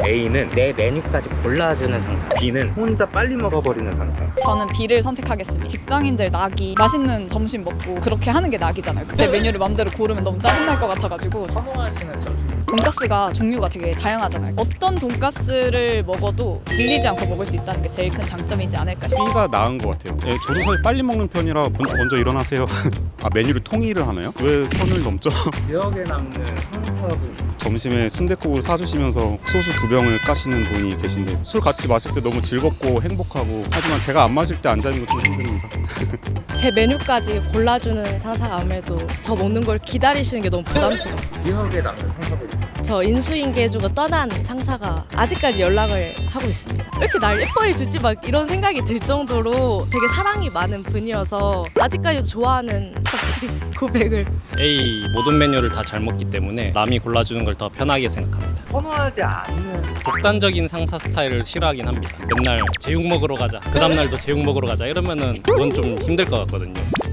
A는 내 메뉴까지 골라주는 상사, B는 혼자 빨리 먹어버리는 상사. 저는 B를 선택하겠습니다. 직장인들 낙이 맛있는 점심 먹고 그렇게 하는 게 낙이잖아요. 제 메뉴를 맘대로 고르면 너무 짜증날 것 같아가지고. 선호하시는 점심. 돈가스가 종류가 되게 다양하잖아요. 어떤 돈가스를 먹어도 질리지 않고 먹을 수 있다는 게 제일 큰 장점이지 않을까 싶어요. B가 나은 것 같아요. 예, 저도 사실 빨리 먹는 편이라 먼저 일어나세요. 아, 메뉴를 통일을 하나요? 왜 선을 넘죠? 기억에 남는 상사분. 점심에 순댓국을 사주시면서 소주 2병을 까시는 분이 계신데 술 같이 마실 때 너무 즐겁고 행복하고, 하지만 제가 안 마실 때 앉아 있는 거 좀 힘듭니다. 제 메뉴까지 골라주는 상사가 아무래도 저 먹는 걸 기다리시는 게 너무 부담스러워요. 기억에 남는 상사분. 저 인수인계해주고 떠난 상사가 아직까지 연락을 하고 있습니다. 왜 이렇게 날 예뻐해주지? 막 이런 생각이 들 정도로 되게 사랑이 많은 분이어서 아직까지도 좋아하는 갑자기 고백을. A 모든 메뉴를 다 잘 먹기 때문에 남이 골라주는 걸 더 편하게 생각합니다. 선호하지 않는. 독단적인 상사 스타일을 싫어하긴 합니다. 맨날 제육 먹으러 가자, 그 다음날도 제육 먹으러 가자 이러면은 그건 좀 힘들 것 같거든요.